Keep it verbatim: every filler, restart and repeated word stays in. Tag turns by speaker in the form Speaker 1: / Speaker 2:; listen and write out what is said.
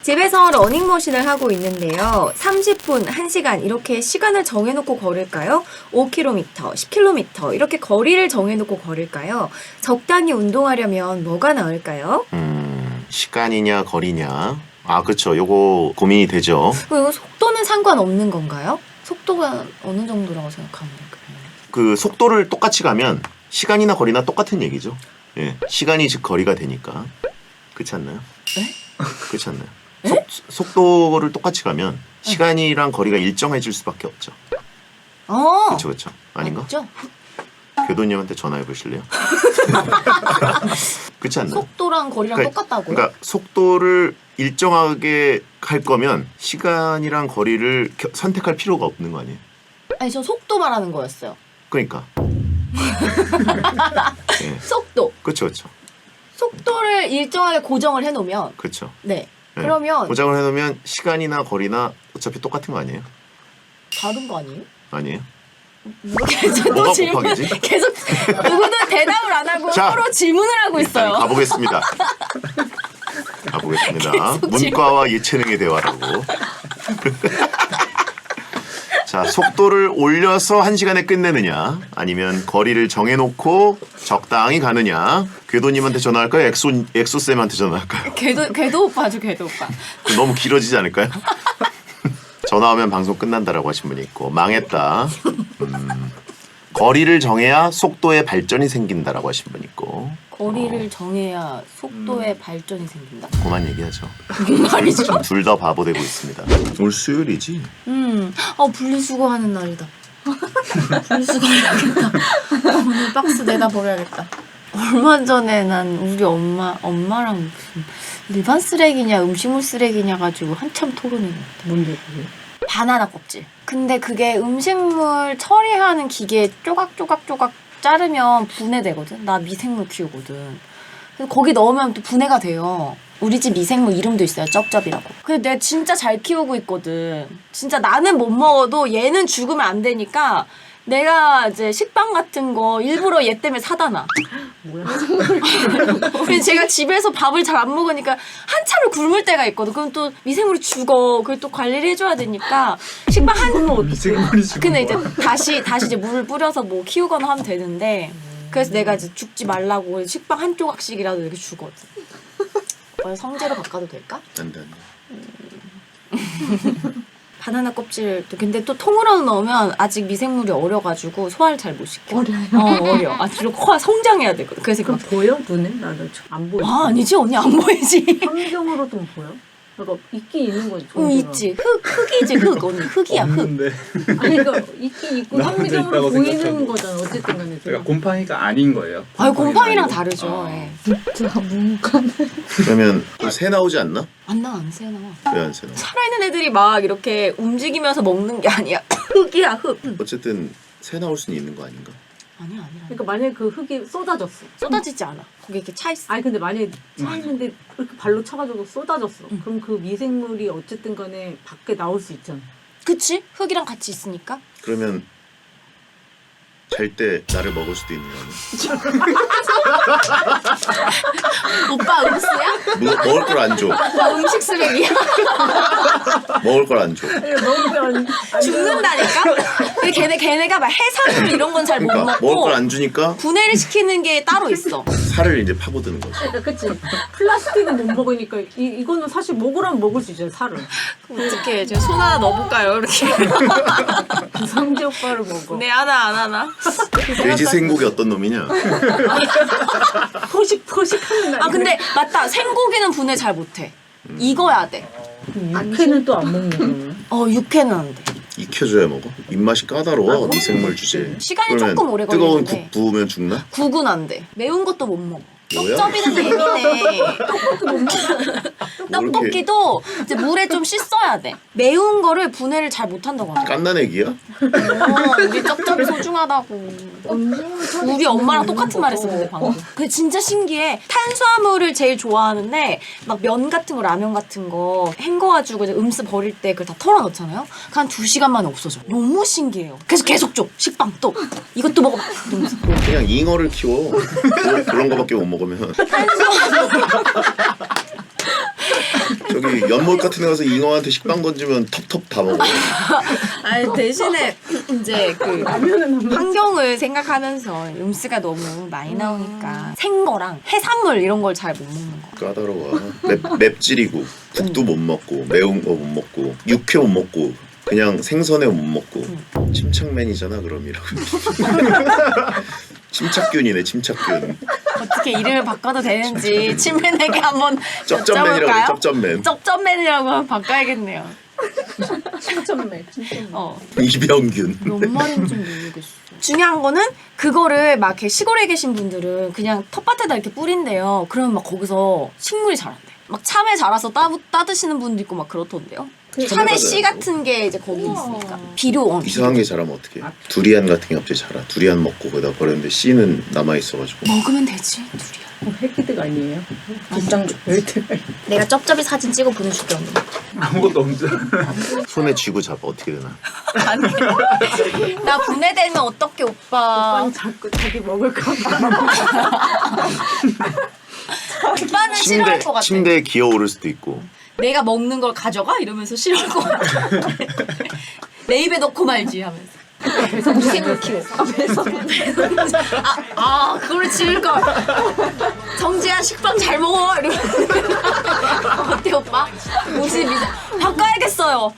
Speaker 1: 집에서 러닝머신을 하고 있는데요. 삼십 분, 한 시간 이렇게 시간을 정해놓고 걸을까요? 오 킬로미터, 십 킬로미터 이렇게 거리를 정해놓고 걸을까요? 적당히 운동하려면 뭐가 나을까요?
Speaker 2: 음, 시간이냐 거리냐. 아, 그렇죠. 요거 고민이 되죠.
Speaker 1: 이거 속도는 상관없는 건가요? 속도가 어느 정도라고 생각하면 될까요?
Speaker 2: 그 속도를 똑같이 가면 시간이나 거리나 똑같은 얘기죠. 예, 시간이 즉 거리가 되니까. 그렇지 않나요?
Speaker 1: 네?
Speaker 2: 그렇지 않나요? 속, 속도를 똑같이 가면 시간이랑 거리가 일정해질 수밖에 없죠.
Speaker 1: 어.
Speaker 2: 그렇죠, 그렇죠. 아닌가?
Speaker 1: 맞죠?
Speaker 2: 교도님한테 전화해 보실래요? 그렇지 않나요?
Speaker 1: 속도랑 거리랑
Speaker 2: 그러니까,
Speaker 1: 똑같다고요?
Speaker 2: 그러니까 속도를 일정하게 할 거면 시간이랑 거리를 겨, 선택할 필요가 없는 거 아니에요?
Speaker 1: 아니 저 속도 말하는 거였어요.
Speaker 2: 그러니까. 네.
Speaker 1: 속도.
Speaker 2: 그렇죠, 그렇죠.
Speaker 1: 속도를 일정하게 고정을 해놓으면
Speaker 2: 그렇죠.
Speaker 1: 네.
Speaker 2: 네.
Speaker 1: 그러면
Speaker 2: 고정을 해놓으면 시간이나 거리나 어차피 똑같은 거 아니에요?
Speaker 1: 다른 거 아니에요?
Speaker 2: 아니에요?
Speaker 1: 뭐 계속
Speaker 2: 뭐가
Speaker 1: 질문
Speaker 2: 곱하기지?
Speaker 1: 계속 누구도 대답을 안 하고
Speaker 2: 자,
Speaker 1: 서로 질문을 하고
Speaker 2: 일단
Speaker 1: 있어요.
Speaker 2: 가보겠습니다. 가보겠습니다.
Speaker 1: 계속
Speaker 2: 문과와 예체능의 대화라고. 자, 속도를 올려서 한 시간에 끝내느냐, 아니면 거리를 정해놓고 적당히 가느냐. 궤도님한테 전화할까요? 엑소 엑소쌤한테 전화할까요?
Speaker 1: 궤도 궤도 오빠죠, 궤도 오빠.
Speaker 2: 너무 길어지지 않을까요? 전화하면 방송 끝난다라고 하신 분이 있고, 망했다. 음, 거리를 정해야 속도의 발전이 생긴다라고 하신 분이 있고.
Speaker 1: 거리를
Speaker 2: 어,
Speaker 1: 정해야 속도의 발전이 생긴다.
Speaker 2: 그만 얘기하죠.
Speaker 1: 무슨 말이죠?
Speaker 2: 둘 다 바보 되고 있습니다. 오늘 수요일이지?
Speaker 1: 음, 어 분리수거하는 날이다. 분리수거 해야겠다. 오늘 박스 내다 버려야겠다. 얼마 전에 난 우리 엄마 엄마랑 무슨 일반 쓰레기냐 음식물 쓰레기냐 가지고 한참 토론했는데.
Speaker 3: 뭔데 그게?
Speaker 1: 바나나 껍질. 근데 그게 음식물 처리하는 기계에 쪼각쪼각쪼각 자르면 분해되거든. 나 미생물 키우거든. 그래서 거기 넣으면 또 분해가 돼요. 우리 집 미생물 이름도 있어요. 쩝쩝이라고. 근데 내가 진짜 잘 키우고 있거든. 진짜 나는 못 먹어도 얘는 죽으면 안 되니까 내가 이제 식빵 같은 거 일부러 얘 때문에 사다 놔.
Speaker 3: 뭐야?
Speaker 1: 근데 제가 집에서 밥을 잘 안 먹으니까 한참을 굶을 때가 있거든. 그럼 또 미생물이 죽어. 그걸 또 관리를 해줘야 되니까 식빵 한
Speaker 4: 미생물이 죽은
Speaker 1: 근데 이제
Speaker 4: 거야.
Speaker 1: 다시 다시 이제 물을 뿌려서 뭐 키우거나 하면 되는데 그래서 내가 이제 죽지 말라고 식빵 한 조각씩이라도 이렇게 주거든. 어, 성재로 바꿔도 될까?
Speaker 2: 안 돼, 안 돼.
Speaker 1: 바나나 껍질 또 근데 또 통으로 넣으면 아직 미생물이 어려가지고 소화를 잘 못 시켜.
Speaker 3: 어려요?
Speaker 1: 어 어려. 아 뒤로 코가 성장해야 되거든. 그래서
Speaker 3: 그럼
Speaker 1: 막,
Speaker 3: 보여 눈에? 나는 안 보여.
Speaker 1: 아 아니지 언니 안 보이지.
Speaker 3: 환경으로 좀 보여? 그러니까 있긴 있는 거지.
Speaker 1: 응 있지. 흙 흙이지 흙 언니 흙이야 흙.
Speaker 4: 없는데.
Speaker 3: 아니 그러니까 있긴 있고
Speaker 4: 나 혼자
Speaker 3: 현미경으로
Speaker 4: 있다고
Speaker 3: 보이는
Speaker 4: 생각하고.
Speaker 3: 거잖아. 어쨌든 간에.
Speaker 4: 그러니까 곰팡이가 아닌 거예요.
Speaker 1: 아유 곰팡이랑
Speaker 4: 아니고.
Speaker 1: 다르죠.
Speaker 4: 아.
Speaker 1: 예.
Speaker 3: 진짜 문과는.
Speaker 2: 그러면 새 나오지 않나?
Speaker 1: 안 나와 안 새나.
Speaker 2: 왜 안 새 나와?
Speaker 1: 살아있는 애들이 막 이렇게 움직이면서 먹는 게 아니야. 흙이야 흙.
Speaker 2: 어쨌든 새 나올 수는 있는 거 아닌가?
Speaker 1: 아니야 아니야.
Speaker 3: 그러니까 만약에 그 흙이 쏟아졌어.
Speaker 1: 쏟아지지 않아. 거기 이렇게 차 있어.
Speaker 3: 아니 근데 만약에 차 있는데 이렇게 발로 차가지고 쏟아졌어.
Speaker 1: 응.
Speaker 3: 그럼 그 미생물이 어쨌든 간에 밖에 나올 수 있잖아.
Speaker 1: 그치? 흙이랑 같이 있으니까.
Speaker 2: 그러면 잘 때 나를 먹을 수도 있는 거 아니야?
Speaker 1: 오빠 음수야?
Speaker 2: 뭐, 먹을 걸 안 줘.
Speaker 1: 오빠 음식 쓰레기야?
Speaker 2: 먹을 걸 안 줘.
Speaker 3: 먹으면
Speaker 1: 죽는다니까? 근데 걔네, 걔네가 막 해산물 이런 건 잘 못
Speaker 2: 그러니까 먹을
Speaker 1: 먹고
Speaker 2: 걸 안 주니까
Speaker 1: 분해를 시키는 게 따로 있어.
Speaker 2: 살을 이제 파고드는 거지.
Speaker 3: 그러니까 그치. 플라스틱은 못 먹으니까 이, 이거는 사실 먹으라면 먹을 수 있잖아. 살을.
Speaker 1: 어떡해. 제가 손 하나 넣어볼까요? 이렇게.
Speaker 3: 성재 오빠를 먹어.
Speaker 1: 네, 하나 안 하나?
Speaker 2: 돼지 생고기 어떤 놈이냐?
Speaker 3: 포식 포식하는 날.
Speaker 1: 아, 근데 맞다. 생고기는 분해 잘 못해. 익어야 돼.
Speaker 3: 육회는 또 안 먹는 거야.
Speaker 1: 어, 육회는 안 돼.
Speaker 2: 익혀줘야 먹어. 입맛이 까다로워. 미생물 주제.
Speaker 1: 시간이
Speaker 2: 그러면
Speaker 1: 조금 오래
Speaker 2: 뜨거운
Speaker 1: 걸리는데.
Speaker 2: 국 부으면 죽나?
Speaker 1: 국은 안 돼. 매운 것도 못 먹어.
Speaker 2: 뭐야?
Speaker 1: 떡접이는 예민해.
Speaker 2: 뭐 이렇게
Speaker 1: 떡볶이도 이제 물에 좀 씻어야 돼. 매운 거를 분해를 잘 못한다고 하더라고.
Speaker 2: 깐난애기야?
Speaker 1: 어, 우리 쩝쩝이 소중하다고. 우리 엄마랑 똑같은 말 했었는데 방금. 근데 진짜 신기해. 탄수화물을 제일 좋아하는데 막 면 같은 거 라면 같은 거 헹궈가지고 이제 음수 버릴 때 그걸 다 털어넣잖아요. 한 두 시간 만에 없어져. 너무 신기해요. 그래서 계속 줘. 식빵 또. 이것도 먹어봐. 이러면서.
Speaker 2: 그냥 잉어를 키워. 그런, 그런 거밖에 못 먹으면. 저기 연못 같은 데 가서 잉어한테 식빵 던지면 텁텁 다 먹어.
Speaker 1: 아니 대신에 이제 그
Speaker 3: 라면은 한 번.
Speaker 1: 환경을 생각하면서 음수가 너무 많이 나오니까 생거랑 해산물 이런 걸 잘 못 먹는 거.
Speaker 2: 까다로워. 맵, 맵찔이고 국도 못 먹고 매운 거 못 먹고 육회 못 먹고 그냥 생선회 못 먹고 침착맨이잖아 그럼이라고. 침착균이네 침착균.
Speaker 1: 어떻게 이름을 바꿔도 되는지 친맨에게 한번
Speaker 2: 쩝쩝맨이라고 그래
Speaker 1: 여쭤볼까요?
Speaker 2: 쩝쩝맨.
Speaker 1: 쩝쩝맨이라고 한번 바꿔야겠네요.
Speaker 3: 칭찬맨. 칭찬맨.
Speaker 1: 어.
Speaker 2: 이병균.
Speaker 1: 뭔 말인지 모르겠어. 중요한 거는 그거를 막 이렇게 시골에 계신 분들은 그냥 텃밭에다 이렇게 뿌린대요. 그러면 막 거기서 식물이 자란대. 막 참외 자라서 따, 따드시는 분도 있고 막 그렇던데요. 참외 씨 같은 게 이제 거기 있으니까 비료 어,
Speaker 2: 이상한 게 자라면 어떡해. 두리안 같은 게 갑자기 자라. 두리안 먹고 거기다 버렸는데 씨는 남아있어가지고.
Speaker 1: 먹으면 되지 두리안.
Speaker 3: 어, 핵기득 아니에요? 김장 핵기득.
Speaker 1: 내가 쩝쩝이 사진 찍어 보내줄게 오늘.
Speaker 4: 아무것도 없죠.
Speaker 2: 손에 쥐고 잡아 어떻게 되나.
Speaker 1: 나 분해되면 어떡해 오빠.
Speaker 3: 오빠는 자꾸 자기 먹을까 봐.
Speaker 1: 오빠는 싫어할
Speaker 2: 침대,
Speaker 1: 것 같아.
Speaker 2: 침대에 기어오를 수도 있고.
Speaker 1: 내가 먹는 걸 가져가? 이러면서 싫어할 것 같아. 내 입에 넣고 말지 하면서. 무생을 키워. 아, 배서. 아, 아, 그걸 지을걸. 정지야, 식빵 잘 먹어. 이러면서. 어때, 오빠? 옷이 미세. 바꿔야겠어요.